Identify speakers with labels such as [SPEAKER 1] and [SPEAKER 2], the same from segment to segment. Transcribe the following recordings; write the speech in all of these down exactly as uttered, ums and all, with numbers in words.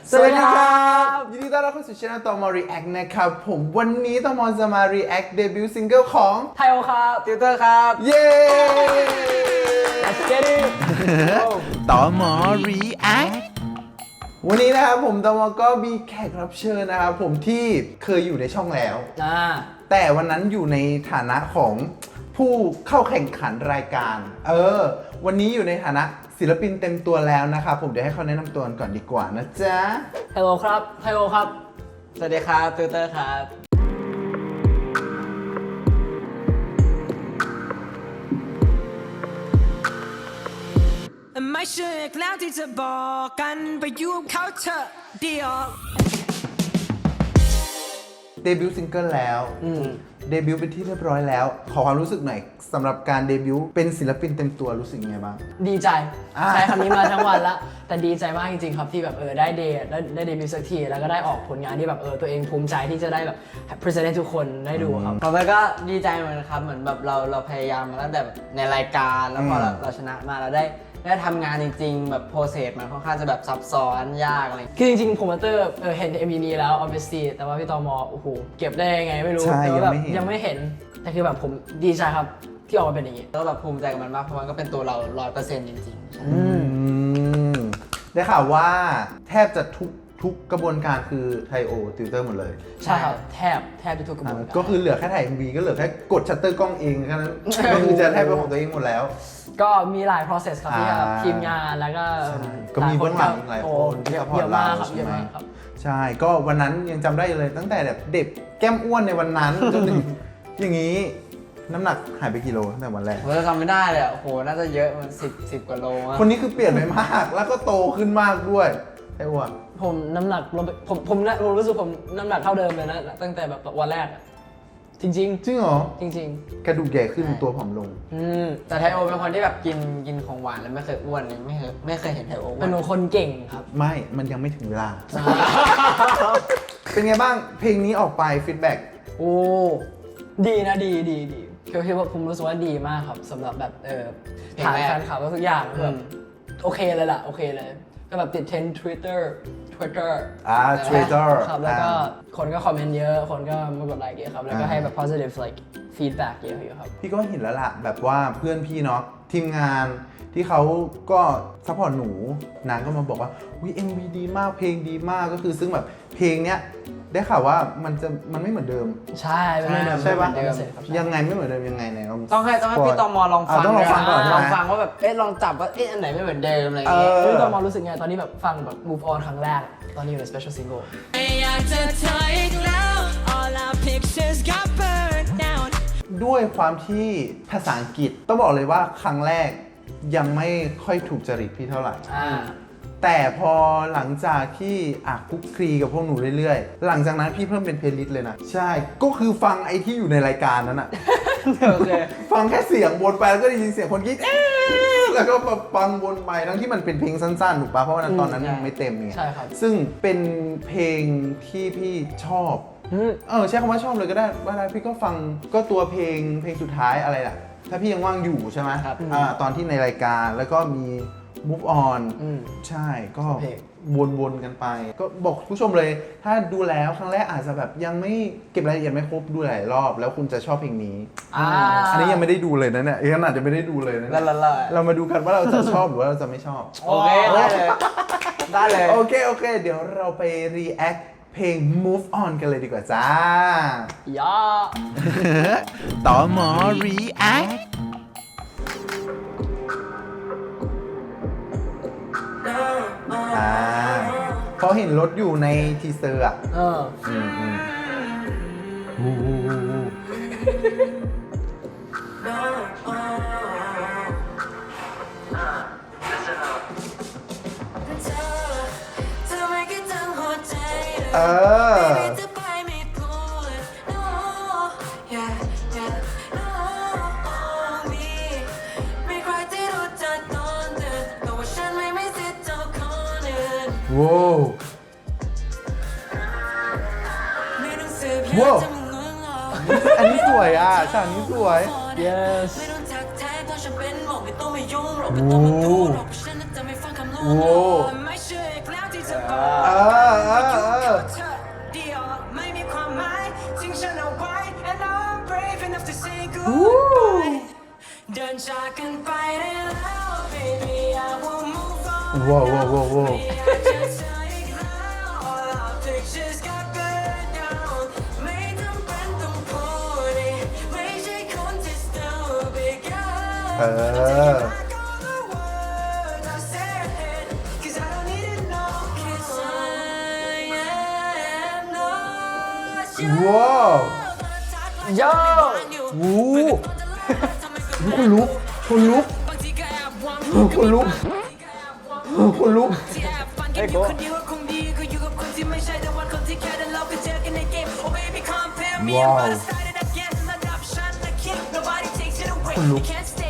[SPEAKER 1] สวัสดีครับยินดีต้อนรับเข้าสู่ช่องตอมอ React นะครับผมวันนี้ตอมอจะมา React เดบิวต์ซิงเกิลของ
[SPEAKER 2] ไทโอครับติวเตอร์ครับ
[SPEAKER 1] เย้
[SPEAKER 2] Let's get it
[SPEAKER 1] ตอมอ React วันนี้นะครับผมตอมอก็มีแขกรับเชิญนะครับผมที่เคยอยู่ในช่องแล้วแต่วันนั้นอยู่ในฐานะของผู้เข้าแข่งขันรายการเออวันนี้อยู่ในฐานะศิลปินเต็มตัวแล้วนะครับผมเดี๋ยวให้เขาแนะนำตัวก่อนดีกว่านะจ๊ะ
[SPEAKER 2] ฮัลโหลครับไทโอครับสวัสดีครับติวเตอร์ครับ
[SPEAKER 3] ไม่เชื่ออีกแล้วที่จะบอกกันไปยุ่งเขาเถอะเดียว
[SPEAKER 1] เดบิวต์ซิงเกิลแล้วเดบิวต์เป็นที่เรียบร้อยแล้วขอความรู้สึกหน่อยสำหรับการเดบิวต์เป็นศิลปินเต็มตัวรู้สึกยังไงบ้าง
[SPEAKER 2] ดีใจใช้คำนี้มาทั้งวันละแต่ดีใจมากจริงๆครับที่แบบเออได้เดได้ได้เดบิวต์สักทีแล้วก็ได้ออกผลงานที่แบบเออตัวเองภูมิใจที่จะได้แบบพรีเซนต์ให้ทุกคนได้ดูครับ
[SPEAKER 4] ผมก็ดีใจเหมือนครับเหมือนแบบเราเราพยายามมาตั้งแต่ในรายการแล้วพอเราเราชนะมาเราได้ได้ทำงานจริงๆแบบโปรเซสมันค่อนข้างจะแบบซับซ้อนยากอะไร
[SPEAKER 2] คือจริงๆโปรโมเตอร์เออเห็น เอ็ม วี นี้แล้ว obviously แต่ว่าพี่ตอมอโอ้โหเก็บได้ยังไงไม่รู้แต่ว่าแบบยังไม่เห็นแต่คือแบบผมดีใจครับที่ออกมาเป็นอย่างนี้
[SPEAKER 4] แล้วแบบภูมิใจกับมันมากเพราะมันก็เป็นตัวเรา ร้อยเปอร์เซ็นต์ จริงๆ
[SPEAKER 1] อืมได้ข่าวว่าแทบจะทุกทุกกระบวนการคือไทโอติวเตอร์หมดเลย
[SPEAKER 2] ใช่ครับแทบแทบทุกกระบวนการ
[SPEAKER 1] ก็คือเหลือแค่ถ่าย เอ็ม วี ก็เหลือแค่กดชัตเตอร์กล้องเองแค่นั้นก็คือจะแทบเป็นของตัวเองหมดแล้ว
[SPEAKER 2] ก็มีหลาย process ครับที่ทีมงานแล้วก็
[SPEAKER 1] ก็มีเบื้องหลังหลายคนที่ซัพพอร์ตเราใช่ไหมใช่ก็วันนั้นยังจำได้เลยตั้งแต่แบบเด็กแก้มอ้วนในวันนั้นจนถึงอย่างนี้น้ำหนักหายไปกี่โลตั้งแต่วันแรก
[SPEAKER 4] ผมจำไม่ได้เลยโอ้โหน่าจะเยอะมันสิบสิบกว่าโล
[SPEAKER 1] คนนี้คือเปลี่ยนไปมากแล้วก็โตขึ้นมากด้วยไอ้อ้วน
[SPEAKER 2] ผมน้ำหนักลงไปผมผมผมรู้สึกผมน้ำหนักเท่าเดิมเลยนะตั้งแต่แบบวันแรกจริงจริง
[SPEAKER 1] จริงเหรอ
[SPEAKER 2] จริง
[SPEAKER 1] ๆกระดูกใหญ่ขึ้นตัวผอมลง
[SPEAKER 4] อืมแต่ไทโอเป็นคนที่แบบกินกินของหวานแล้วไม่เคยอ้วนเลยไม่เคยไม่เคยเห็นไทโออ้วน
[SPEAKER 2] เป็นคนเก่งครับ
[SPEAKER 1] ไม่มันยังไม่ถึงเวลาเป็นไงบ้างเพลงนี้ออกไปฟีดแบ็ก
[SPEAKER 2] โอ้ดีนะดีดีดีคือคือว่าผมรู้สึกว่าดีมากครับสำหรับแบบเออฐานแฟนคลับทุกอย่างแบบโอเคเลยล่ะโอเคเลยก็แบบติดเทรนด์ Twitter Twitter
[SPEAKER 1] อ่า Twitter
[SPEAKER 2] ครับแล้วก็คนก็คอมเมนต์เยอะคนก็มากดไลค์เยอะครับแล้วก็ให้แบบ positive like feedback เยอะอยู่ครับ
[SPEAKER 1] พี่ก็เห็นแล้วล่ะแบบว่าเพื่อนพี่เนาะทีมงานที่เขาก็ซัพพอร์ตหนูนางก็มาบอกว่าวิ เอ็ม วี ดีมากเพลงดีมากก็คือซึ่งแบบเพลงเนี้ยได้ข่าวว่ามันจะมันไม่เหมือนเดิม
[SPEAKER 2] ใช่ไม่เหมือนเดิม
[SPEAKER 1] ใช่ปะยังไงไม่เหมือนเดิมยังไงไหนลอง
[SPEAKER 4] ต้องให้ต้องให้พี่ตอมอลองฟัง
[SPEAKER 1] ต้องลองฟังก่อน
[SPEAKER 4] ลองฟังว่าแบบเอ๊ะลองจับว่าเอ๊ะอันไหนไม่เหมือนเดิมอะไรอย่างเงี้ย
[SPEAKER 2] พี่ตอมอรู้สึกไงตอนนี้แบบฟังแบบ move on ครั้งแรกตอนนี้อยู่ใน special single
[SPEAKER 1] ด้วยความที่ภาษาอังกฤษต้องบอกเลยว่าครั้งแรกยังไม่ค่อยถูกจริตพี่เท่าไหร่แต่พอหลังจากที่อ่ะคุกคลีกับพวกหนูเรื่อยๆหลังจากนั้นพี่เพิ่มเป็นเพลย์ลิสต์เลยนะใช่ก็คือฟังไอ้ที่อยู่ในรายการนั้นอะฟังแค่เสียงวนไปแล้วก็ได้ยินเสียงคนกรี๊ดแล้วก็ฟังวนไปทั้งที่มันเป็นเพลงสั้นๆถูกปะเพราะว่าตอนนั้นยังไม่เต็มไง
[SPEAKER 2] ใช่ครับ
[SPEAKER 1] ซึ่งเป็นเพลงที่พี่ชอบเออใช้คำว่าชอบเลยก็ได้ว่าได้พี่ก็ฟังก็ตัวเพลงเพลงสุดท้ายอะไรล่ะถ้าพี่ยังว่างอยู่ใช่ไหมอ่าตอนที่ในรายการแล้วก็มีmove on ใช่ก็วนๆกันไปก็บอกผู้ชมเลยถ้าดูแล้วครั้งแรกอาจจะแบบยังไม่เก็บรายละเอียดไม่ครบดูหลายรอบแล้วคุณจะชอบเพลงนี้อันนี้ยังไม่ได้ดูเลยนะเนี่ยขนาดจะไม่ได้ดูเลยนะเรามาดูกันว่าเราจะชอบหรือว่าเราจะไม่ชอบ
[SPEAKER 4] โอเคได้เลยได้เลย
[SPEAKER 1] โอเคโอเคเดี๋ยวเราไป react เพลง move on กันเลยดีกว่าจ้า
[SPEAKER 2] ย่า
[SPEAKER 1] ต่อหมอ reactเพราะเห็นรถอยู่ในทีเซอร์อ่ะเอออืมอืมเออว้าวว้าวอันนี้สวยอ่ะฉากนี้สวย
[SPEAKER 2] yes
[SPEAKER 1] โอ้โหอ่าว้าวว้าวว้าวว้าว เออ ว้าว
[SPEAKER 2] โย่
[SPEAKER 1] วู้คนลุกคนลุกคนลุกคนลุก
[SPEAKER 2] ไอ้โก้
[SPEAKER 1] ว้าวคนลุก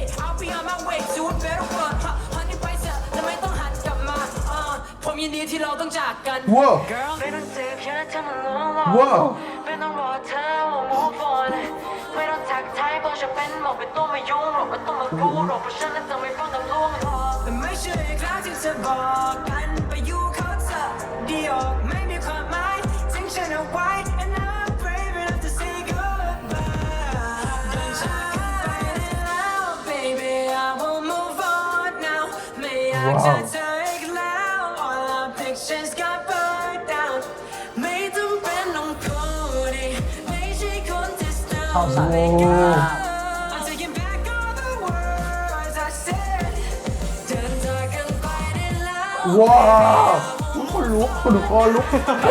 [SPEAKER 3] ผมยินดีที่เราต้องจากกัน
[SPEAKER 1] ว้าว
[SPEAKER 3] Girl ไม่ต้องเจ็บแค่เธอมาล้อหลอก
[SPEAKER 1] ว้าว
[SPEAKER 3] ไม่ต้องรอเธอว่า move on ไม่ต้องทักทายบอกฉันเป็นบอกเป็นตัวไม่ยุ่งหรอกไม่ต้องมารู้หรอกเพราะฉันนั้นจะไม่ฟังกับลวงหรอกแต่ไม่ใช่ครั้งที่เธอบอกกันไปอยู่เขาเธอเดียวไม่มีความหมายทิ้งฉันเอาไว้ and I'm brave enough to say goodbye เดินจากกันไปได้แล้ว baby I will move on now ไม่อยากเจอเธออีกแล้ว all our pictures got burned down ไม่ต้องเป็นต้องพูดดิไม่ใช่คนที่ still
[SPEAKER 2] เข้าสาย
[SPEAKER 3] I'm taking back all the words I said เดินจากกันไปได้แล้ว
[SPEAKER 1] ว้าวคนลุกคนลุกคอลุก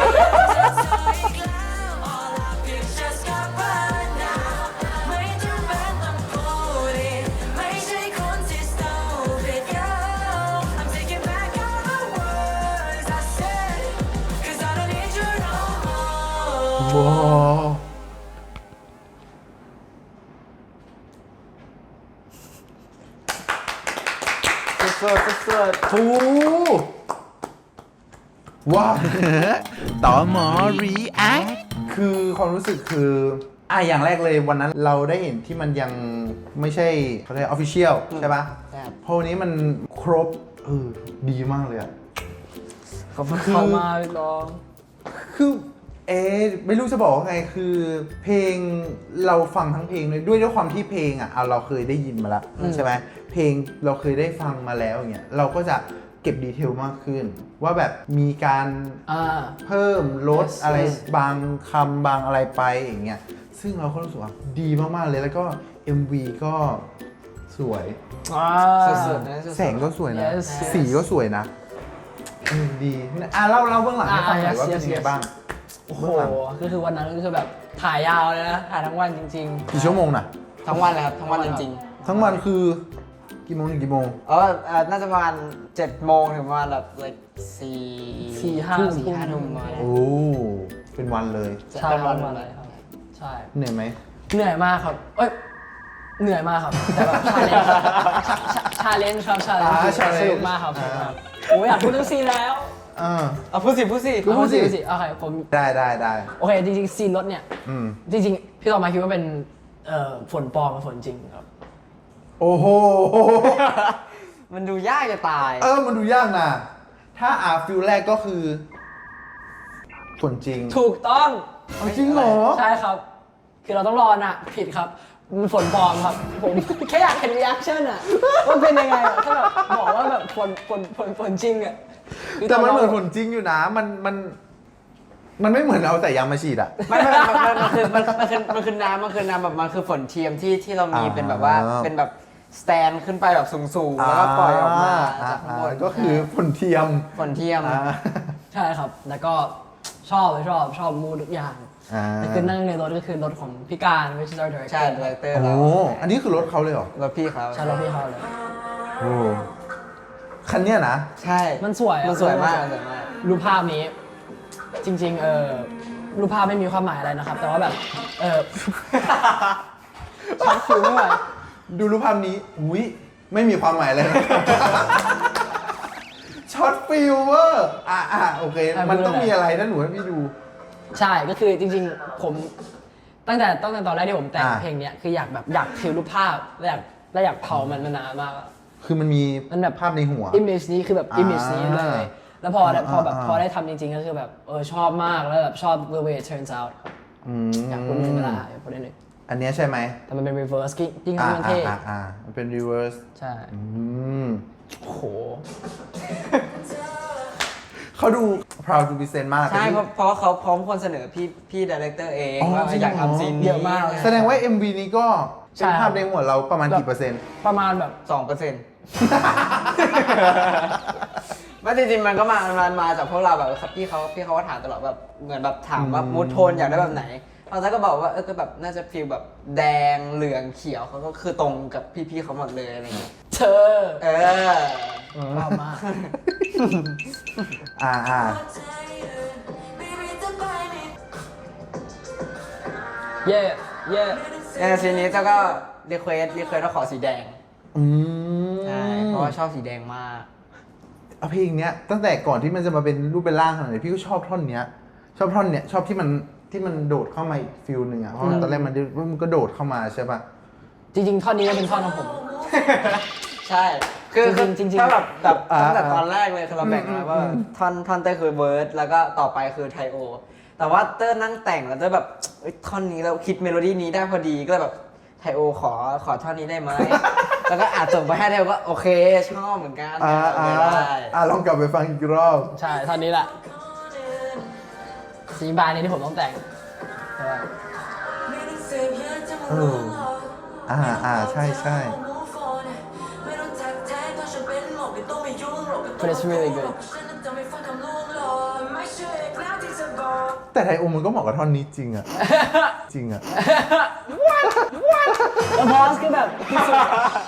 [SPEAKER 3] All our pictures got burned down ไม่จำเป็นต้องพูดดิไม่ใช่คนที่ stupid girl I'm taking back all the words I said Cause I don't need you no more
[SPEAKER 1] ว้าว
[SPEAKER 4] สุดๆสุด
[SPEAKER 1] โอ้ว้าว ต่อหมอรีแอคคือความรู้สึกคืออ่ะอย่างแรกเลยวันนั้นเราได้เห็นที่มันยังไม่ใช่เขาเรียกออฟฟิเชียลใช่ปะ
[SPEAKER 4] ๆครับ
[SPEAKER 1] พอวันนี้มันครบเออดีมากเลยอะ
[SPEAKER 2] ขอบคุณเข้ามาพี่น้อง
[SPEAKER 1] คือเอ๊ะไม่รู้จะบอกว่าไงคือเพลงเราฟังทั้งเพลงเลยด้วยด้วยความที่เพลงอ่ะเอาเราเคยได้ยินมาแล้วใช่ไหมเพลงเราเคยได้ฟังมาแล้วอย่างเงี้ยเราก็จะเก็บดีเทลมากขึ้น ว่าแบบมีการ
[SPEAKER 2] อ่า
[SPEAKER 1] เพิ่มลด
[SPEAKER 2] Yes,
[SPEAKER 1] อะไร
[SPEAKER 2] yes
[SPEAKER 1] บางคำบางอะไรไปอย่างเงี้ยซึ่งเราก็รู้สึกว่าดีมากๆเลยแล้วก็ เอ็ม วี ก็สวย
[SPEAKER 2] อ่า
[SPEAKER 4] สุดๆนะสุดๆ
[SPEAKER 1] แสงก็สวยนะ
[SPEAKER 2] Yes, yes
[SPEAKER 1] สีก็สวยนะเออดีอ่ะเล่าเล่าเบื้องหลังให้ฟังหน่อย
[SPEAKER 2] อ่ะ
[SPEAKER 1] ว่า
[SPEAKER 2] yes,
[SPEAKER 1] เป็นยังไง
[SPEAKER 2] yes
[SPEAKER 1] บ้าง
[SPEAKER 2] โอ้โหก็คือวันนั้นก็คือแบบถ่ายยาวเลยนะ ถ่ายทั้งวันจริงๆ
[SPEAKER 1] กี่ชั่วโมงน่ะ
[SPEAKER 4] ทั้งวันเลยครับทั้งวันจริง
[SPEAKER 1] ทั้งวันคือกี่โมงถึงกี่โมง
[SPEAKER 4] ๆเออเอ่อน่าจะประมาณเจ็ดโมงถึงประมาณแบบ like สี่
[SPEAKER 2] สี่ห้า
[SPEAKER 4] ทุ่ม
[SPEAKER 2] ทุ่
[SPEAKER 4] สี่
[SPEAKER 2] ม
[SPEAKER 4] ห้าทุ่มประมาณนั้น
[SPEAKER 1] โอ้ เป็นวันเลย
[SPEAKER 2] ใช่
[SPEAKER 4] เป็น
[SPEAKER 2] วั
[SPEAKER 4] วัน น
[SPEAKER 2] วันเลยครับ ใช่
[SPEAKER 1] เหนื่อยไหม
[SPEAKER 2] เหนื่อยมากครับ เอ้ย เหนื่อยมากครับ แต่แบบชาเลนจ์ครับชาเลนจ์
[SPEAKER 1] อ่า
[SPEAKER 2] ชาเลนจ์
[SPEAKER 1] challenge
[SPEAKER 2] สนุกมากครับสนุก
[SPEAKER 1] อ่า
[SPEAKER 2] มากโอ้ยอยากพูดเรื่องซีนแล้ว
[SPEAKER 1] อ่า
[SPEAKER 4] เอาพูดสิพูดสิ
[SPEAKER 1] พูดสิ
[SPEAKER 2] เอาสิโอเคผม
[SPEAKER 1] ได้ได้ได้
[SPEAKER 2] โอเค จริงๆ ซีนรถเนี่ย
[SPEAKER 1] อืม
[SPEAKER 2] จริงๆ พี่ต่อมาคิดว่าเป็นเอ่อฝนปลอมกับฝนจริงครับ
[SPEAKER 1] โอ้โห
[SPEAKER 4] มันดูยากจะตาย
[SPEAKER 1] เออ มันดูยากนะ ถ้าอาฟิลแรกก็คือฝนจริง
[SPEAKER 2] ถูกต้อง
[SPEAKER 1] เอาจริงเหรอ
[SPEAKER 2] ใช่ครับ คือเราต้องรอน่ะ ผิดครับมันฝนปลอมครับ ผม แค่อยากเห็นรีแอคชั่นอะว่าเป็นยังไงอะถ้าแบบบอกว่าแบบฝนฝนฝนฝนจริงอะคือ
[SPEAKER 1] แต่มันเหมือน
[SPEAKER 2] ต
[SPEAKER 1] ฝนจริงอยู่นะ มันมัน มันไม่เหมือนเอาแต่ยางมาฉีดอะ
[SPEAKER 4] ไม่ไม่มันมันมันคือมันมันคือมันคือน้ำมันคือน้ำแบบมันคือฝนเทียมที่ที่เรามี
[SPEAKER 1] อ่า
[SPEAKER 4] เป็นแบบว่าเป็นแบบสแตนขึ้นไปแบบสูงๆแล้วก็ปล่อยออกมาจากข้างบน
[SPEAKER 1] อ่าก็คือฝนเทียม
[SPEAKER 4] ฝนเทียม
[SPEAKER 1] อ่า
[SPEAKER 2] ใช่ครับ แล้วก็ชอบเลยชอบชอบมูดทุกอย่าง
[SPEAKER 1] อ่า
[SPEAKER 2] แต่คือนั่งในรถก็คือรถของพี่การ which is our director
[SPEAKER 4] ใช่ดีเลเตอร์
[SPEAKER 1] โอ้
[SPEAKER 4] เรา
[SPEAKER 1] อันนี้คือรถเขาเลยเหรอ
[SPEAKER 4] รถพี่เขา
[SPEAKER 2] ใช่รถพี่เขาเลย
[SPEAKER 1] โอ้คันเนี้ยนะ
[SPEAKER 4] ใช่
[SPEAKER 2] มันสวยอะ
[SPEAKER 4] มันสวยมากมันสวยมาก
[SPEAKER 2] รูปภาพนี้ จริงๆ เออรูปภาพไม่มีความหมายอะไรนะครับ แต่ว่าแบบ เออ ชักคิวไม่ไหว
[SPEAKER 1] ดูรูปภาพนี้ อุ้ยไม่มีความหมายเลยนะ ช็อตฟิลเวอร์อ่ะอ่ะโอเค
[SPEAKER 2] อ่ะ
[SPEAKER 1] มันต้อง
[SPEAKER 2] พูดเลย
[SPEAKER 1] มีอะไรนะหนูให้พี่ดู
[SPEAKER 2] ใช่ก็คือจริงๆ ผมตั้งแต่ตั้งแต่ตอนแรกที่ผมแต่ง
[SPEAKER 1] อ่า
[SPEAKER 2] เพลงเนี้ยคืออยากแบบอยากทิวรูปภาพและอยากและอยากเผามันมานานมากอะ
[SPEAKER 1] คือมันมี
[SPEAKER 2] มันแบบ
[SPEAKER 1] ภาพในหัว
[SPEAKER 2] image นี้คือแบบ
[SPEAKER 1] อ่า
[SPEAKER 2] image นี้เลย แล้วพอได้
[SPEAKER 1] อ่า
[SPEAKER 2] พอแบบ
[SPEAKER 1] อ่า
[SPEAKER 2] พอได้ทำจริงๆ ก็คือแบบเออชอบมากแล้วแบบชอบ the way it turns out ครับ
[SPEAKER 1] อื
[SPEAKER 2] อยากพูดนิดนึงเวลาอยากพูดนิดนึง
[SPEAKER 1] อันเนี้ยใช่ไหม
[SPEAKER 2] แต่มันเป็น reverse จริงๆ
[SPEAKER 1] อ่า
[SPEAKER 2] มัน
[SPEAKER 1] อ่า
[SPEAKER 2] เท่
[SPEAKER 1] อ่าอ่ามันเป็น reverse
[SPEAKER 2] ใช่
[SPEAKER 1] อืม
[SPEAKER 2] โห
[SPEAKER 1] เขาดู proud to present มาก
[SPEAKER 4] ใช่เพราะเพราะเขาพร้อมคนเสนอพี่พี่ดีเรคเตอร์เอง
[SPEAKER 1] อ๋อ
[SPEAKER 4] ว่า
[SPEAKER 1] จริง
[SPEAKER 4] อยาก
[SPEAKER 1] เหรอ
[SPEAKER 4] ทำซีนนี้
[SPEAKER 2] เยอะมากเลย
[SPEAKER 1] แสดงว่า เอ็ม วี นี้ก็
[SPEAKER 2] ใช่
[SPEAKER 1] เป็นภาพในหัวเราประมาณกี่เปอร์เซ็นต์
[SPEAKER 2] ประมาณแบบ
[SPEAKER 4] สองเปอร์เซ็นต์ไม่จริงๆมันก็มามันมาจากพวกเราแบบพี่เขาพี่เขาก็ถามตลอดแบบเหมือนแบบถามว่ามูดโทนอยากได้แบบไหนเราก็บอกว่าเออก็แบบน่าจะฟีลแบบแดงเหลืองเขียวเขาก็คือตรงกับพี่ๆเขาหมดเลยอะไรเงี้ย
[SPEAKER 2] เธอ
[SPEAKER 4] เออ
[SPEAKER 2] ชอบมาก
[SPEAKER 1] อ่าอ่า
[SPEAKER 2] เย่เย่
[SPEAKER 4] ในซีนนี้เจ้าก็รีเควสรีเควสว่าขอสีแดง
[SPEAKER 1] อืม
[SPEAKER 4] ใช่เพราะว่าชอบสีแดงมาก
[SPEAKER 1] เอาเพลงเนี้ยตั้งแต่ก่อนที่มันจะมาเป็นรูปเป็นร่างขนาดนี้พี่ก็ชอบท่อนเนี้ย ชอบท่อนเนี้ยชอบที่มันที่มันโดดเข้ามาอีกฟิลหนึ่งอ่ะเพราะว่าตอนแรกมันมันก็โดดเข้ามาใช่ป่ะ
[SPEAKER 2] จริงๆท่อนนี้ก็เป็นท่อนของผม
[SPEAKER 4] ใช่ คือ
[SPEAKER 2] จริงๆจริงๆ
[SPEAKER 4] ถ้าแบบแบบ
[SPEAKER 1] อ่า
[SPEAKER 4] ตั้งแต่ตอนแรกเลยคือเราแบ่งมาว่าท่อนท่อนเต้ยคือเวิร์ดแล้วก็ต่อไปคือไทโอ แต่ว่าเต้ยนั่งแต่งแล้วเต้ยแบบเอ้ยท่อนนี้เราคิดเมโลดี้นี้ได้พอดีก็เลยแบบไทโอขอขอท่อนนี้ได้ไหม แล้วก็อาจส่งไปให้ไทโอก็โอเคชอบเหมือนกัน
[SPEAKER 1] อ่าอ่า
[SPEAKER 4] ได้
[SPEAKER 1] อ่าลองกลับไปฟังอีกรอบ
[SPEAKER 2] ใช่ท่อนนี้แหละซีนบายนี้ที่ผมต้องแต่งใช่ปะ
[SPEAKER 1] เอออ่าอ่าใช่ใช่
[SPEAKER 2] But it's really good
[SPEAKER 1] แต่ไทโอมันก็เหมาะกับท่อนนี้จริงอ่ะ จริงอ่ะ
[SPEAKER 2] แล้วพอสคือแบบที่สุด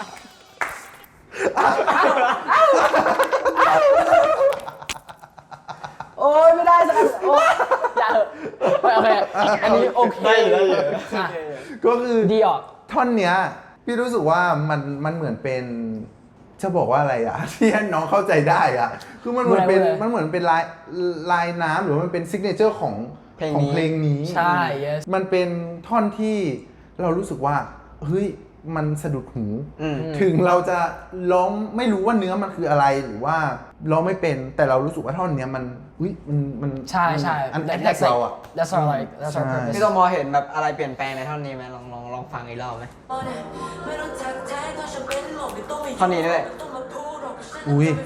[SPEAKER 2] โอ้ยไม่ได้สักอันโอ้ยอย่าเหอะโอเคอันนี้โอเค
[SPEAKER 4] ได้อยู่ได้อยู่
[SPEAKER 2] อ่ะ
[SPEAKER 1] ก็คือ
[SPEAKER 2] ดีออก
[SPEAKER 1] ท่อนเนี้ยพี่รู้สึกว่ามันมันเหมือนเป็นจะบอกว่าอะไรอะ ที่ให้น้องเข้าใจได้อะคือมันเหมือนเป็น
[SPEAKER 2] พูดเลย
[SPEAKER 1] มันเหมือนเป็นลายลายน้ำหรือว่ามันเป็นซิกเนเจอร์ของ
[SPEAKER 4] เพลง
[SPEAKER 1] ของ
[SPEAKER 4] นี้
[SPEAKER 1] เพลงนี้
[SPEAKER 2] ใช่ yes
[SPEAKER 1] มันเป็นท่อนที่เรารู้สึกว่าเฮ้ยมันสะดุดหู
[SPEAKER 4] อืม
[SPEAKER 1] ถึงเราจะร้องไม่รู้ว่าเนื้อมันคืออะไรหรือว่าร้องไม่เป็นแต่เรารู้สึกว่าท่อนเนี้ยมันอุ้ยมันมัน
[SPEAKER 2] ใช่ใช่
[SPEAKER 1] อันแอ
[SPEAKER 2] That-
[SPEAKER 1] แท็ก
[SPEAKER 2] that's
[SPEAKER 1] เรา
[SPEAKER 2] like
[SPEAKER 1] อะ
[SPEAKER 2] that's our like that's our
[SPEAKER 1] ใช่
[SPEAKER 2] purpose
[SPEAKER 4] พี่โตมอเห็นแบบอะไรเปลี่ยนแปลงในท่อนนี้ไหมลองลองลองฟังอีกรอบไหม ท่อนนี้ด้วย
[SPEAKER 1] อุ้ย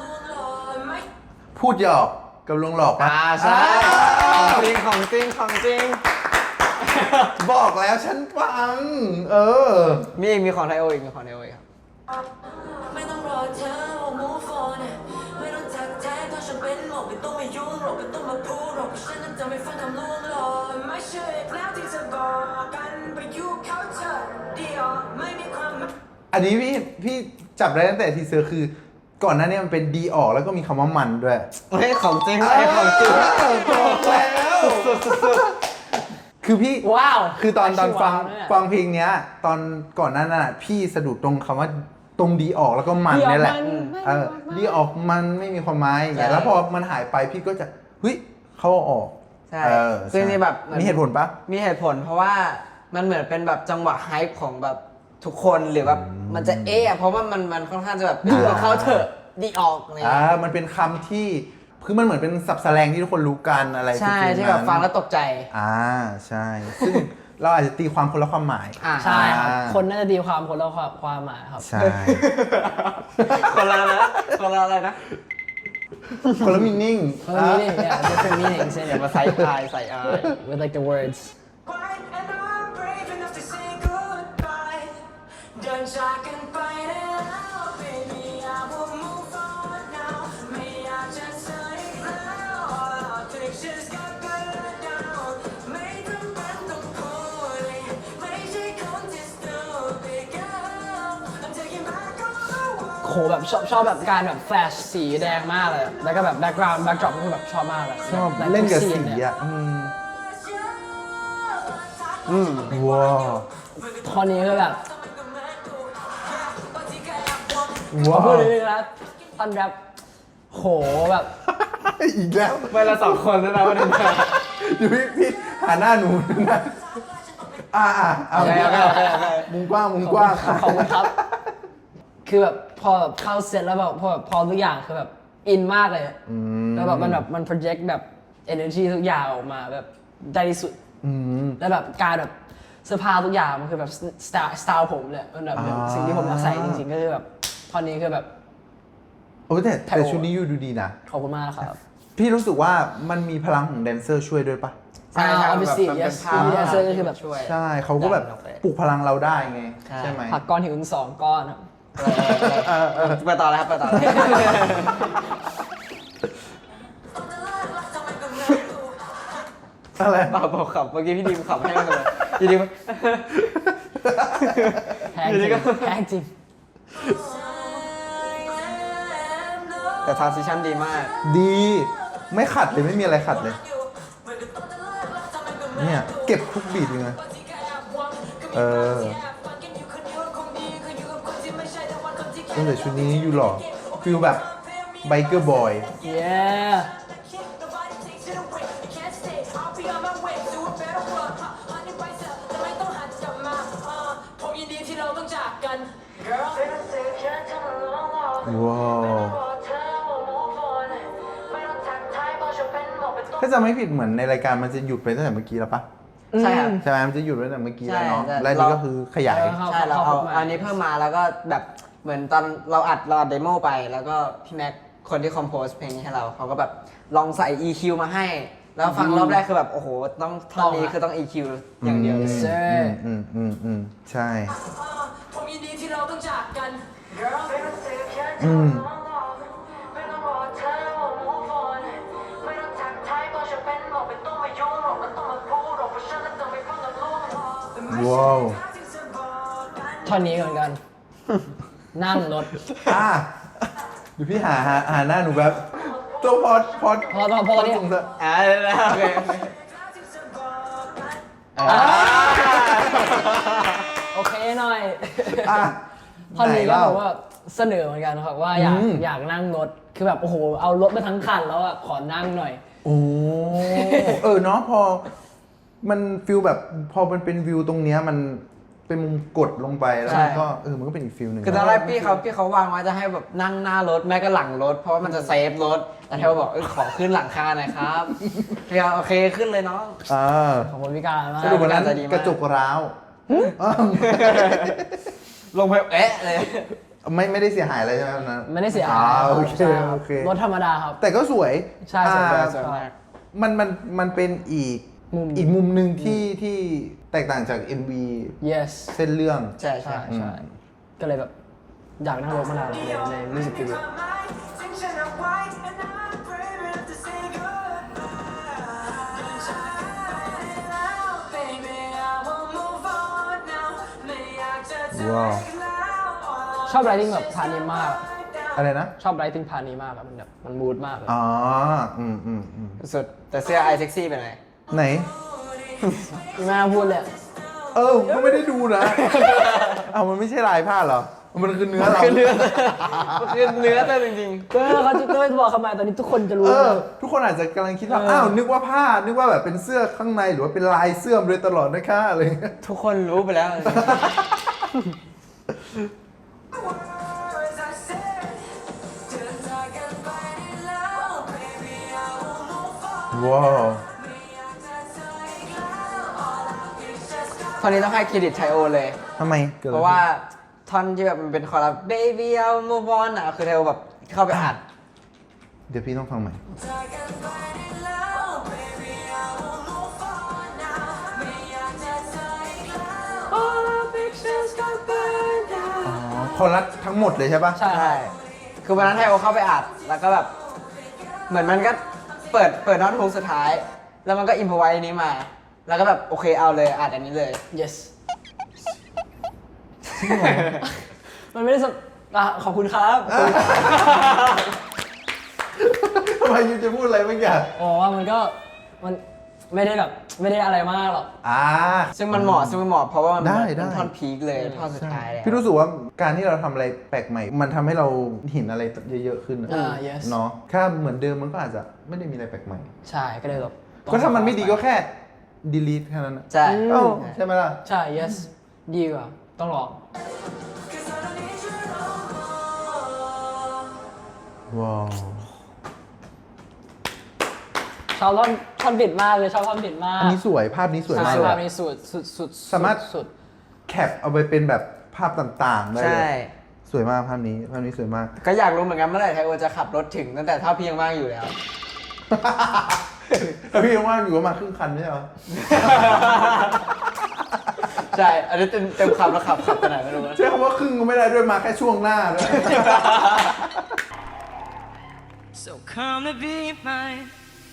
[SPEAKER 1] พูดหยอกกับลวงหลอกปะ
[SPEAKER 4] อ่าใช่
[SPEAKER 1] อ่า
[SPEAKER 4] จริงของจริงของจริง
[SPEAKER 1] บอกแล้วฉันฟัง เออ
[SPEAKER 4] มีอีกมีของไทโออีกมีของไทโออีกครับ
[SPEAKER 3] ไม่ต้องรอเธอว่า move on ไม่ต้องทักทายเพราะฉันเป็นหมอกไม่ต้องมายุ่งหรอกไม่ต้องมาพูดหรอกเพราะฉันนั้นจะไม่ฟังคำลวงหลอกไม่เชื่ออีกแล้วที่จะบอกกันไปยุ่งเขาเธอเดียวไม่มีความหมาย
[SPEAKER 1] อันนี้พี่พี่จับได้ตั้งแต่ทีเซอร์คือ ก่อนหน้านี้มันเป็นดีออกแล้วก็มีคำว่ามันด้วย
[SPEAKER 4] เฮ้ยของจริงไอ้ของจริง
[SPEAKER 1] เออบอกแล้วคือพี่
[SPEAKER 2] ว้าว
[SPEAKER 1] คือตอนตอนฟัง
[SPEAKER 2] ว้าวเนี่ย
[SPEAKER 1] ฟังเพลงเนี้ย ตอนก่อนหน้านั้นอะพี่สะดุดตรงคำว่าตรงดีออกแล้วก็มันนี่แหละ เออดีออกมันไม่มีความหมายอย่างเงี้ย
[SPEAKER 4] ใช่
[SPEAKER 1] แล้วพอมันหายไปพี่ก็จะเฮ้ยเขาเอาออก
[SPEAKER 4] ใช่
[SPEAKER 1] เออ
[SPEAKER 4] ซึ่ง
[SPEAKER 1] ใช่
[SPEAKER 4] นี่แบบเหมือน
[SPEAKER 1] มีเหตุผลปะ
[SPEAKER 4] มีเหตุผลเพราะว่ามันเหมือนเป็นแบบจังหวะไฮป์ของแบบทุกคนหรือแบบมันจะเอะเพราะว่ามันมันค่อนข้างจะแบบดีออกเขาเถอะดีออกอะไรอย่าง
[SPEAKER 1] อ่า
[SPEAKER 4] เงี้ย
[SPEAKER 1] มันเป็นคำที่คือมันเหมือนเป็นศัพท์แสลงที่ทุกคนรู้กันอะไร
[SPEAKER 4] ใช่
[SPEAKER 1] ฟิลๆ
[SPEAKER 4] ที่แบบ
[SPEAKER 1] นั้น
[SPEAKER 4] ฟังแล้วตกใจ
[SPEAKER 1] อ่าใช่ ซึ่ง เราอาจจะตีความคนละความหมาย
[SPEAKER 4] อ่า
[SPEAKER 2] ใช่ครับ
[SPEAKER 1] อ่า
[SPEAKER 2] คนน่าจะตีความคนละความความหมายครับ
[SPEAKER 1] ใช่
[SPEAKER 4] คนละนะคนละอะไรนะ
[SPEAKER 1] คนละมินิ่ง
[SPEAKER 2] คนละ meaning yeah different meanings in
[SPEAKER 4] อย่า
[SPEAKER 2] it
[SPEAKER 4] มาใส่อายใส่อาย
[SPEAKER 2] with like the words
[SPEAKER 3] Quiet and I'm brave enough to say goodbye เดินจากกันไปได้แล้ว baby I will move on now ไม่อยากจะเจออีกแล้ว All our pictures got blurred down ไม่จำเป็นต้องพูดเลยไม่ใช่คนที่ stupid girl I'm taking back all the world
[SPEAKER 2] โหแบบชอบชอบแบบการแบบแฟลชสีแดงมากเลย แล้วก็แบบ background backdrop ก็คือแบบชอบมากเลย
[SPEAKER 1] ชอบ
[SPEAKER 2] แบบ
[SPEAKER 1] เล่นกับ
[SPEAKER 2] ทุ
[SPEAKER 1] สี
[SPEAKER 2] scene เนี่ย
[SPEAKER 1] อ่ะ อืม
[SPEAKER 4] อืม
[SPEAKER 1] ว้าว
[SPEAKER 2] ท่อนนี้คือแบบ
[SPEAKER 1] ว้า
[SPEAKER 2] พูด
[SPEAKER 1] ว
[SPEAKER 2] นิดนึงนะท่อนแรปโหแบบ
[SPEAKER 1] อีกแล้ว
[SPEAKER 4] เวลาสองคนแล้วนะวันนี้
[SPEAKER 1] อยู่พี่พี่หาหน้าหนูนะอ่าอ่าเอา
[SPEAKER 4] โอเคโอเคโอเคโอเค
[SPEAKER 1] มุมกว้างมุมกว้าง
[SPEAKER 2] ขอบคุณครับ คือแบบพอแบบเข้าเซตแล้วแบบพอแบบพอทุกอย่างคือแบบอินมากเลย
[SPEAKER 1] อืม
[SPEAKER 2] แล้วแบบมันแบบมัน project แบบ energy ทุกอย่างออกมาแบบได้ที่สุด
[SPEAKER 1] อืม
[SPEAKER 2] แล้วแบบการแบบเสื้อผ้าทุกอย่างมันคือแบบสไตล์สไตล์ผมเลยมันแบบ
[SPEAKER 1] อ่า
[SPEAKER 2] สิ่งที่ผมอยากใส่จริงๆก็คือแบบท่อนนี้คือแบบ
[SPEAKER 1] โอ้แต่
[SPEAKER 2] ไท
[SPEAKER 1] แต่
[SPEAKER 2] โอ
[SPEAKER 1] ชุดนี้ยูดูดีนะ
[SPEAKER 2] ขอบคุณมากครับ
[SPEAKER 1] พี่รู้สึกว่ามันมีพลังของแดนเซอร์ช่วยด้วยปะ
[SPEAKER 4] ใช่ใช่
[SPEAKER 2] อ่า obviously
[SPEAKER 4] แบบมันเป็น
[SPEAKER 2] yes
[SPEAKER 4] ภาพ
[SPEAKER 2] แดนเซอร์ก็คือแบบ
[SPEAKER 4] ช่วย
[SPEAKER 1] ใช่เขาก็แบบ
[SPEAKER 4] ดันออกไป
[SPEAKER 1] ปลุกพลังเราได้ไง
[SPEAKER 4] ใช่
[SPEAKER 1] ใช่ไหม
[SPEAKER 2] ผักก้อนหินถึงสองก้อนครับ
[SPEAKER 4] เออเออเออเปิดต่อแล้วครับเปิดต่อแล้ว
[SPEAKER 1] อะไร
[SPEAKER 4] เปล่าเปล่าขับเมื่อกี้พี่ดีมขับให้มันเลยพี่ดีม
[SPEAKER 2] แพงจริงแพงจริง
[SPEAKER 4] แต่ transition ดีมาก
[SPEAKER 1] ดีไม่ขัดเลยไม่มีอะไรขัดเลย เนี่ยเก็บทุกบีทเลยไงเออตั้งแต่ชุดนี้อยู่หล่อฟิลแบบไบเกอร์บอย
[SPEAKER 2] yeah
[SPEAKER 1] ว้าวถ้าจำไม่ผิดเหมือนในรายการมันจะหยุดไปตั้งแต่เมื่อกี้แล้วปะ
[SPEAKER 4] ใช่ครับ
[SPEAKER 1] ใช่ไหมมันจะหยุดไว้ตั้งแต่เมื่อกี้แล้วเนาะ
[SPEAKER 4] ใช่ใช่
[SPEAKER 1] แล้วนี่ก็คือขยาย
[SPEAKER 2] เออ
[SPEAKER 4] ใช่เราเอา
[SPEAKER 2] เข้ามา
[SPEAKER 4] อันนี้เพิ่มมาแล้วก็แบบเหมือนตอนเราอัดเราอัดเดโมไป แล้วก็พี่แม็กคนที่คอมโพสเพลงนี้ให้เราเขาก็แบบลองใส่ อี คิว มาให้ แล้วฟังรอบแรกคือแบบโอ้โหต้องท่อนนี้คือต้อง อี คิว อย่างเดียวเลย
[SPEAKER 2] ใช่
[SPEAKER 1] อืมอืมอืมใช่
[SPEAKER 3] ผมยินดีที่เราต้องจากกัน
[SPEAKER 1] อืม
[SPEAKER 3] ไม่ต้องรอเธอว่า move on ไม่ต้องทักทายเพราะฉันเป็นหมอกไม่ต้องมายุ่งหรอกไม่ต้องมาพูดหรอกเพราะฉันนั้นจะไม่ฟังกันล่วงหรอก
[SPEAKER 1] ว้าว
[SPEAKER 2] ท่อนนี้เหมือนกัน นั่งรถ
[SPEAKER 1] อ่ะเดี๋ยวพี่หาหาหาหน้าหนูแบบตัวพอดพอด
[SPEAKER 2] พอพอพอเนี่ย
[SPEAKER 1] ส่งเถอะ
[SPEAKER 4] อ่าโอเคโอเค
[SPEAKER 1] อ่ะ
[SPEAKER 2] โอเคหน่อย
[SPEAKER 1] อ่ะ
[SPEAKER 2] ท่อนนี้
[SPEAKER 1] ไห
[SPEAKER 2] ก็
[SPEAKER 1] เล่า
[SPEAKER 2] แบบว่าเสนอเหมือนกันครับว่าอยาก
[SPEAKER 1] อืม
[SPEAKER 2] อยากนั่งรถคือแบบโอ้โหเอารถมาทั้งคันแล้วอ่ะขอนั่งหน่อย
[SPEAKER 1] โอ้เออเนาะพอมันฟิลแบบพอมันเป็นวิวตรงเนี้ยมันเป็นมุมกดลงไปแล้ว
[SPEAKER 4] ใช่
[SPEAKER 1] มันก็เออมันก็เป็นอีกฟิลหนึ่ง
[SPEAKER 4] คือตอนแรกพี่เขาพี่เขาวางไว้จะให้แบบนั่งหน้ารถแม่ก็หลังรถ เพราะว่ามันจะเซฟรถ แต่เทวบอกเออขอขึ้นหลังคาหน่อยครับพี่เขาโอเคขึ้นเลยเนาะ
[SPEAKER 1] อ่า
[SPEAKER 2] ขอบคุณพี่การมาก
[SPEAKER 1] สรุปวันนั้น
[SPEAKER 4] ใจดีมาก
[SPEAKER 1] กระจกร้าวอ้าว
[SPEAKER 4] ลงไปเอ๊ะเลย
[SPEAKER 1] ไม่ไม่ได้เสียหายอะไรใช่ไหมวันนั้น
[SPEAKER 2] ไม่ได้เสีย
[SPEAKER 1] อ่า
[SPEAKER 2] หาย
[SPEAKER 1] โอเค
[SPEAKER 2] ใช่รับ
[SPEAKER 1] โอเค
[SPEAKER 2] รถธรรมดาครับ
[SPEAKER 1] แต่ก็สวย
[SPEAKER 2] ใช่สวย
[SPEAKER 1] อ่า
[SPEAKER 2] สวยมาก
[SPEAKER 1] มันมันมันเป็นอีก
[SPEAKER 2] มุม
[SPEAKER 1] อีกมุมหนึ่งที่ที่แตกต่างจาก เอ็ม วี
[SPEAKER 2] yes
[SPEAKER 1] เส้นเรื่อง
[SPEAKER 4] ใช่ใช่
[SPEAKER 2] ใช่ใช่ก็เลยแบบอยากนั่งรถมานานเลยในมิวสิกวิดีโอ
[SPEAKER 1] ว้าว
[SPEAKER 2] ชอบไรติ้งแบบพาร์ทนี้มาก
[SPEAKER 1] อะไรนะ
[SPEAKER 2] ชอบไรติ้งพาร์ทนี้มากอะมันแบบมันมูดมากเลย
[SPEAKER 1] อ๋อ อืมอืมอืม
[SPEAKER 4] สุดแต่เสื้อไอเซ็กซี่เป็นไง
[SPEAKER 1] ไหน
[SPEAKER 2] ไม่น่าพูดเลย
[SPEAKER 1] เออมันไม่ได้ดูนะ เอามันไม่ใช่ลายผ้าเหรอ มันคือเนื้อเรา
[SPEAKER 4] คือเนื้อคือเนื้อแต่จริง
[SPEAKER 2] ก็เขาจะก็จะบอกทำไมตอนนี้ทุกคนจะรู้
[SPEAKER 1] เออ
[SPEAKER 2] เลย
[SPEAKER 1] ทุกคนอาจจะกำลังคิดว่า
[SPEAKER 2] เอออ้
[SPEAKER 1] อ้าว นึกว่าผ้า นึกว่าแบบเป็นเสื้อข้างในหรือว่าเป็นลายเสื้อมาโดยตลอดนะคะอะไรอย่างเงี้ย
[SPEAKER 4] ๆ ทุกคนรู้ไปแล้ว
[SPEAKER 1] ว้าว
[SPEAKER 4] ตอนนี้ต้องให้เครดิตไทโอเลย
[SPEAKER 1] ทำไมกิดอ
[SPEAKER 4] เพ
[SPEAKER 1] ไขึ้น
[SPEAKER 4] ราะว่าท่อนที่แบบมันเป็นคอรัส baby I'll move on อ่ะคือไทโอแบบเข้าไปอัด
[SPEAKER 1] เดี๋ยวพี่ต้องฟังใหม่ อ๋อคอรัสทั้งหมดเลยใช่ปะ
[SPEAKER 2] ใช่
[SPEAKER 4] ใช่ คือวันนั้นไทโอเข้าไปอัด แล้วก็แบบ เหมือนมันก็เปิดเปิดท่อนฮุกสุดท้าย แล้วมันก็อิมพอไว้นี้มา แล้วก็แบบโอเคเอาเลยอัดอันนี้เลย
[SPEAKER 2] yes มันไม่ได้สอ่ะขอบคุณครับ
[SPEAKER 1] ทำไมยูจะพูดอะไรบางอย่าง
[SPEAKER 2] อ๋อมันก็มันไม่ได้แบบไม่ได้อะไรมากหรอก
[SPEAKER 1] อ่า
[SPEAKER 4] ซึ่งมันเหมาะซึ่งมันเหมาะเพราะว่ามัน
[SPEAKER 1] ได้
[SPEAKER 4] เป็น
[SPEAKER 1] ได้
[SPEAKER 4] ท่อนพีคเลยท่อนสุดท้ายเลย
[SPEAKER 1] พี่รู้สึกว่าการที่เราทำอะไรแปลกใหม่ มันทำให้เราเห็นอะไรเยอะๆขึ้นนะ
[SPEAKER 2] อ่า yes
[SPEAKER 1] เนาะถ้าเหมือนเดิมมันก็อาจจะไม่ได้มีอะไรแปลกใหม่
[SPEAKER 2] ใช่ก็เลยแบบ
[SPEAKER 1] ก็ถ้ามันไม่ดีก็แค่ delete แค่นั้นนะ
[SPEAKER 4] ใช่
[SPEAKER 1] เอ้าใช่ไหมล่ะ
[SPEAKER 2] ใช่ yes ดีกว่าต้องลอง
[SPEAKER 1] ว้าว
[SPEAKER 2] ชอบท่อนท่อนบิดมากเลยชอบท่อนบิดมาก
[SPEAKER 1] อันนี้สวยภาพนี้สวย
[SPEAKER 2] ใช่
[SPEAKER 1] มากเลย
[SPEAKER 2] ภาพ
[SPEAKER 1] อะ
[SPEAKER 2] นี้สุดสุดสุด
[SPEAKER 1] สามารถ
[SPEAKER 2] สุด
[SPEAKER 1] แคปเอาไปเป็นแบบภาพต่างๆได้
[SPEAKER 4] ใช่
[SPEAKER 1] เลยสสวยมากภาพนี้ภาพนี้สวยมาก
[SPEAKER 4] ก็อยากรู้เหมือนกันเมื่อไหร่ไทโอจะขับรถถึงตั้งแต่ถ้าพี่ยังว่างอยู่แล้ว
[SPEAKER 1] แล้วพี่ยังว่างอยู่ประมาณครึ่งคันไม่ใช่เหรอ
[SPEAKER 4] ใช่ อันนี้เต็มเต็มขับแล้วขับขับไปไหนไม่รู้นะ
[SPEAKER 1] ใช้คำว่าครึ่งก็ไม่ได้ด้วยมาแค่ช่วงหน้าด้วย
[SPEAKER 3] So come to be mine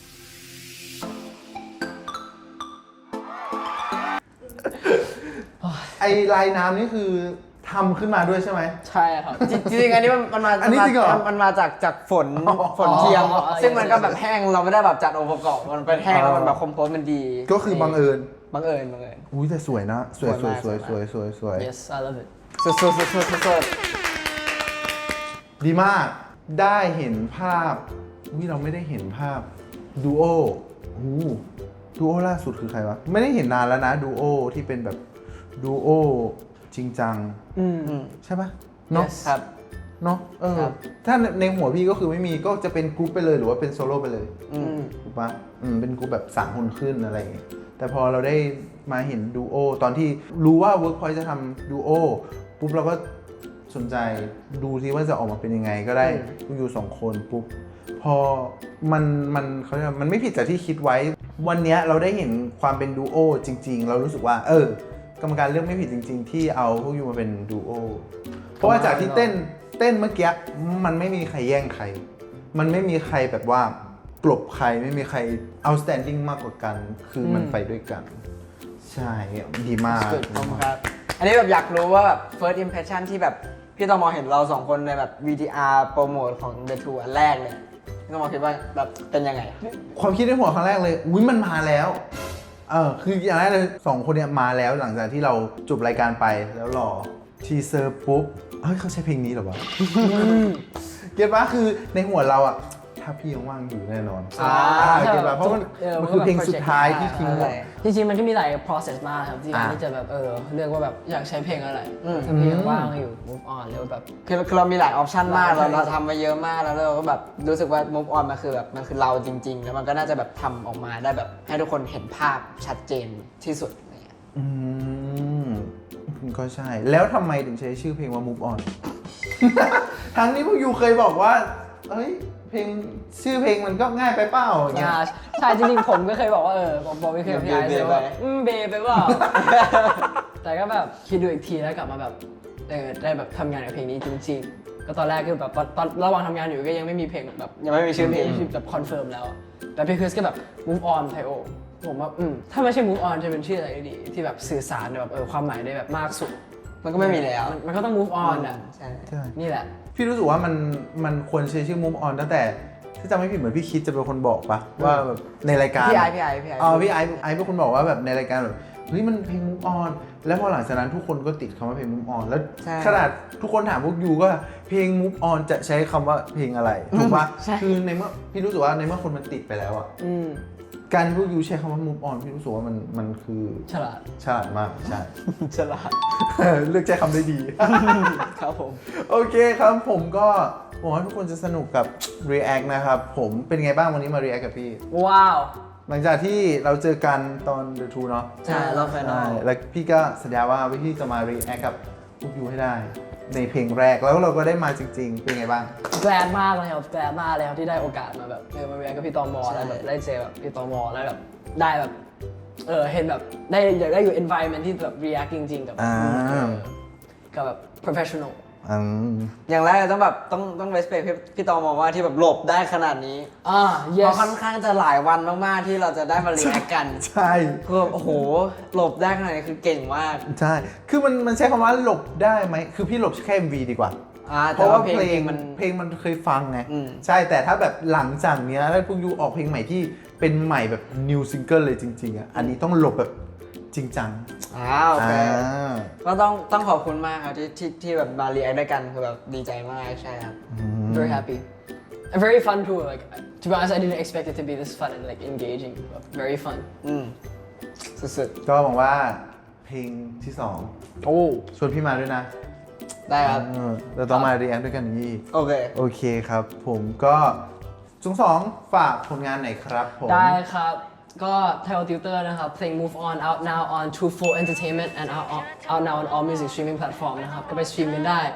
[SPEAKER 1] ไอลายน้ำนี่คือทำขึ้นมาด้วยใช่ไหม
[SPEAKER 2] ใช่ครับ
[SPEAKER 4] จริงๆอันนี้มันมันมา
[SPEAKER 1] อันนี้จริงเหรอ
[SPEAKER 4] มันมาจากจากฝน
[SPEAKER 1] อ๋อ
[SPEAKER 4] ฝนเทียม
[SPEAKER 2] อ๋อ
[SPEAKER 4] ซึ่งมันก็แบบแห้งเราไม่ได้แบบจัดองค์ประกอบมันเป็นแห้งแล้วมันแบบคอมโพสมันดี
[SPEAKER 1] ก็คือบังเอิญ
[SPEAKER 4] บังเอิญบังเอิญ
[SPEAKER 1] อุ้ยแต่สวยนะ สวยส
[SPEAKER 4] ส
[SPEAKER 1] ว
[SPEAKER 4] วย ย
[SPEAKER 1] สวย
[SPEAKER 4] มาก
[SPEAKER 1] สวยสวยสวย
[SPEAKER 2] yes I love it
[SPEAKER 4] สุดสุดสุดสุดสุดสุด
[SPEAKER 1] ดีมากได้เห็นภาพวิเราไม่ได้เห็นภาพดูโออู้ดูโอล่าสุดคือใครวะ ไม่ได้เห็นนานแล้วนะดูโอที่เป็นแบบดูโอจริงจัง
[SPEAKER 2] อืม
[SPEAKER 4] อืม
[SPEAKER 1] ใช่ปะเนาะ
[SPEAKER 2] Yes
[SPEAKER 4] ครับ
[SPEAKER 1] เนาะเออ
[SPEAKER 4] ครับ
[SPEAKER 1] ถ้าในหัวพี่ก็คือไม่มีก็จะเป็นกรุ๊ปไปเลยหรือว่าเป็นโซโล่ไปเลย
[SPEAKER 4] อืม
[SPEAKER 1] ถูกปะอืมเป็นกรุ๊ปแบบสามคนขึ้นอะไรอย่างเงี้ยแต่พอเราได้มาเห็นดูโอตอนที่รู้ว่า Workpoint จะทำดูโอปุ๊บเราก็สนใจดูที่ว่าจะออกมาเป็นยังไงก็ได้พวกอยู่สองคนปุ๊บพอมันมันเขาเรียกว่ามันไม่ผิดจากที่คิดไว้ วันเนี้ยเราได้เห็นความเป็นดูโอจริง ๆ เรารู้สึกว่า เออกรรมการเลือกไม่ผิดจริง ๆ ที่เอาพวกยูมาเป็นดูโอเพราะว่าจากที่เต้นเต้นเมื่อกี้มันไม่มีใครแย่งใคร มันไม่มีใครแบบว่ากลบใครไม่มีใคร outstanding มากกว่ากัน คือมันไปด้วยกัน ใช่ดีมาก
[SPEAKER 4] ขอบคุณครับ อันนี้แบบอยากรู้ว่าแบบ first impression ที่แบบพี่ตอมอเห็นเราสองคนในแบบ วี ที อาร์ โปรโมทของ The Tour อันแรกเลยพี่ตอมอคิดว่าแบบเป็นยังไง
[SPEAKER 1] ความคิดในหัวครั้งแรกเลยอุ้ยมันมาแล้วเออคืออย่างแรกเลยสองคนเนี้ยมาแล้วหลังจากที่เราจบรายการไปแล้วรอทีเซอร์ปุ๊บเฮ้ยเขาใช้เพลงนี้เหรอวะเก็ตปะคือในหัวเราอะถ้าพี่ยังว่างอยู่แน่นอน
[SPEAKER 4] อ่า
[SPEAKER 1] เก็ตปะเพราะมัน
[SPEAKER 2] เออ
[SPEAKER 1] มันคือเพลง
[SPEAKER 2] มันก็แบบ
[SPEAKER 1] สุดท้ายที่
[SPEAKER 2] project
[SPEAKER 1] ทิ้ง
[SPEAKER 4] ใช่
[SPEAKER 1] ไว้
[SPEAKER 2] จริงๆมันก็มีหลาย process มากครับที่
[SPEAKER 1] อ่า
[SPEAKER 2] ที่จะแบบเออเลือกว่าแบบอยากใช้เพลงอะไร
[SPEAKER 4] อืม
[SPEAKER 2] ถ้าเพลงว่างอยู่ move on หรือแบบ
[SPEAKER 4] คือคือเรามีหลายออปชันมาก
[SPEAKER 2] หลาย
[SPEAKER 4] เราเราทำมาเยอะมากแล้วเราก็แบบรู้สึกว่า move on มันคือแบบมันคือเราจริง ๆ แล้วมันก็น่าจะแบบทำออกมาได้แบบให้ทุกคนเห็นภาพชัดเจนที่สุดอะไรเงี้ย
[SPEAKER 1] อืมก็ใช่ แล้วทำไมถึงใช้ชื่อเพลงว่า Move On ทั้งนี้พวกยูเคยบอกว่าเฮ้ยเพลงชื่อเพลงมันก็ง่ายไปเปล่าอย่างเงี้ย
[SPEAKER 2] อ่าใช่จริงๆผมก็เคยบอกว่าเออผมบอกไม่เคยกับพี่ไอซ์เลยว่าอืมเบไปเปล่า แต่ก็แบบคิดดูอีกทีแล้วกลับมาแบบเออได้แบบทำงานกับเพลงนี้จริงๆ ก็ตอนแรกคือแบบตอนตอนระหว่างทำงานอยู่ก็ยังไม่มีเพลงแบบ
[SPEAKER 4] ยังไม่มีชื่อเพลง
[SPEAKER 2] ที่แบบคอนเฟิร์มแล้วอะแต่พี่คริสก็แบบ move on ไทโอผมว่าอืมถ้าไม่ใช่ move on จะเป็นชื่ออะไรดีที่แบบสื่อสารแบบเออความหมายได้แบบมากสุด
[SPEAKER 4] มันก็ไม่มีแล้ว
[SPEAKER 2] มันมันก็ต้อง move on อ่ะ
[SPEAKER 4] ใช่
[SPEAKER 1] ใช่
[SPEAKER 2] นี่แหละ
[SPEAKER 1] พี่รู้สึกว่ามันมันควรใช้ชื่อ Move On ตั้งแต่ถ้าจำไม่ผิดเหมือนพี่คิดจะเป็นคนบอกปะว่าแบบในรายการ
[SPEAKER 4] พี่ไอซ์พี่ไอซ์พี่ไอซ์
[SPEAKER 1] อ๋อพี่ไอซ์ไอซ์เป็นคนบอกว่าแบบในรายการแบบเฮ้ยมันเพลง Move On แล้วพอหลังจากนั้นทุกคนก็ติดคำว่าเพลง Move On แล้ว
[SPEAKER 4] ใช่
[SPEAKER 1] ขนาดทุกคนถามพวกยูก็เพลง Move On จะใช้คำว่าเพลงอะไรถูกปะ
[SPEAKER 4] ใช่
[SPEAKER 1] คือในเมื่อพี่รู้สึกว่าในเมื่อคนมันติดไปแล้วอะ
[SPEAKER 2] อืม
[SPEAKER 1] การที่พวกยูใช้คำว่า Move On พี่รู้สึกว่ามันมันคือ
[SPEAKER 2] ฉลาด
[SPEAKER 1] ฉลาดมากใช่
[SPEAKER 4] ฉลาด
[SPEAKER 1] เลือกใช้คำได้ดี
[SPEAKER 4] ครับผม
[SPEAKER 1] โอเคครับผมก็หวังว่าทุกคนจะสนุกกับ React นะครับ ผมเป็นไงบ้างวันนี้มา React กับพี่
[SPEAKER 2] ว้าว
[SPEAKER 1] หลังจากที่เราเจอกันตอน The Two เนาะ
[SPEAKER 4] ใช่รอบไฟนอ
[SPEAKER 1] ใช่
[SPEAKER 4] ล
[SPEAKER 1] แล้วพี่ก็สัญญาว่าพี่จะมา React กับพวกยูให้ได้ ในเพลงแรกแล้วเราก็ได้มาจริง ๆ เป็นไงบ้าง
[SPEAKER 2] แกลดมากเลยครับแกลดมากเลยครับที่ได้โอกาสมาแบบเออมาเรียนกับพี่ตอมอแล้วแบบได้เจอแบบพี่ตอมอแล้วแบบได้แบบเออเห็นแบบได้อยากได้อยู่ environment ที่แบบ react จริงๆกับ
[SPEAKER 1] อ่า
[SPEAKER 2] เออกับแบบ professional
[SPEAKER 1] อืม
[SPEAKER 4] อย่างแรกเลยต้องแบบต้องต้อง respect พี่พี่ตอมองว่าที่แบบหลบได้ขนาดนี้
[SPEAKER 2] อ่า
[SPEAKER 4] เพ
[SPEAKER 2] yes
[SPEAKER 4] ราะค่อนข้างจะหลายวันมากๆที่เราจะได้มาเรียนกัน
[SPEAKER 1] ใช่
[SPEAKER 4] คือแบบโอ้โหหลบได้ขนาดนี้คือเก่งมาก
[SPEAKER 1] ใช่ คือมันมันใช้คำว่าหลบได้ไหม คือพี่หลบแค่ เอ็ม วี ดีกว่า
[SPEAKER 4] อ่า
[SPEAKER 1] เพ
[SPEAKER 4] แต่
[SPEAKER 1] ราะ
[SPEAKER 4] ว่า
[SPEAKER 1] ว่า
[SPEAKER 4] เพลง
[SPEAKER 1] เพลง
[SPEAKER 4] มัน
[SPEAKER 1] เพลงมันเคยฟังไง
[SPEAKER 4] อืม
[SPEAKER 1] ใช่แต่ถ้าแบบหลังจากเนี้ยถ้าพวกยูออกเพลงใหม่ที่เป็นใหม่แบบ new single เลยจริงๆอ่ะอันนี้ต้องหลบแบบจริงจัง
[SPEAKER 4] อ่าโอเค
[SPEAKER 1] อ่า
[SPEAKER 4] ก็ต้องต้องขอบคุณมากครับที่ที่ที่แบบมาเรียนด้วยกันคือแบบดีใจมากใช่ครับ
[SPEAKER 2] very happy a very fun tour like to be honest I didn't expect it to be this fun and like engaging but very fun
[SPEAKER 4] อืมสุด
[SPEAKER 1] ก็หวังว่าเพลงที่สอง
[SPEAKER 2] โอ้
[SPEAKER 1] ชวนพี่มาด้วยนะ
[SPEAKER 4] ๆได้ครับ
[SPEAKER 1] เออเราต้องมาเรียนด้วยกันอย่างนี้
[SPEAKER 4] โอเค
[SPEAKER 1] โอเคครับ ผมก็จุงสองฝากผลงานหน่อยครับผม
[SPEAKER 2] ได้ครับ ก็ Thai Tutor นะครับ เพลง Move On out now on True Full Entertainment and out, out now on all music streaming platform นะครับ ก็ไปสตรีมกันได้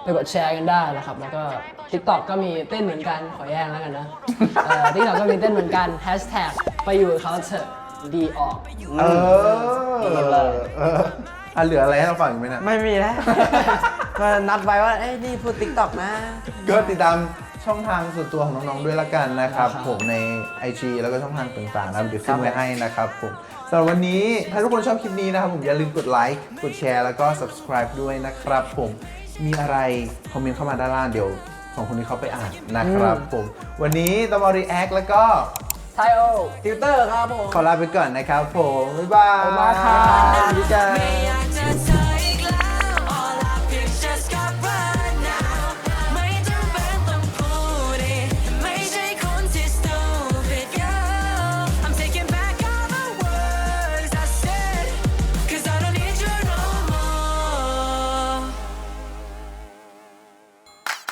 [SPEAKER 2] ไปกดแชร์กันได้นะครับแล้วก็ TikTok ก็มีเต้นเหมือนกันขอแย่งแล้วกันนะเอ่อ TikTok ก็มีเต้นเหมือนกันแฮชแท็กไปอยู่กับเขาเถอะดีออก
[SPEAKER 1] เออเอออ่ะเหลืออะไรให้เราฟังอีกไหมเนะ
[SPEAKER 4] ไม่มีแล้ว มานัดไว้ว่าเอ้ยนี่พูดติ๊กต็อกนะ
[SPEAKER 1] ก็ติดตามช่องทางส่วนตัวของน้องๆด้วยละกันนะครับ
[SPEAKER 2] ครับ
[SPEAKER 1] ผมใน ไอ จี แล้วก็ช่องทางต่างๆนะเดี๋ยวขึ้นไว้ให้นะครับผมสำหรับวันนี้ถ้าทุกคนชอบคลิปนี้นะครับผมอย่าลืมกดไลค์กดแชร์แล้วก็ subscribe ด้วยนะครับผมมีอะไรคอมเมนต์เข้ามาด้านล่างเดี๋ยวสองคนนี้เขาไปอ่านนะครับผมวันนี้ตอมอรีแอคแล้วก็
[SPEAKER 2] ไทโอ
[SPEAKER 4] ติวเตอร์ครับผม
[SPEAKER 1] ขอลาไปก่อนนะครับผมบ๊ายบาย
[SPEAKER 2] บ๊ายบายครับ
[SPEAKER 1] สวัสดีจ้า
[SPEAKER 3] ไม่อยากจะเธอ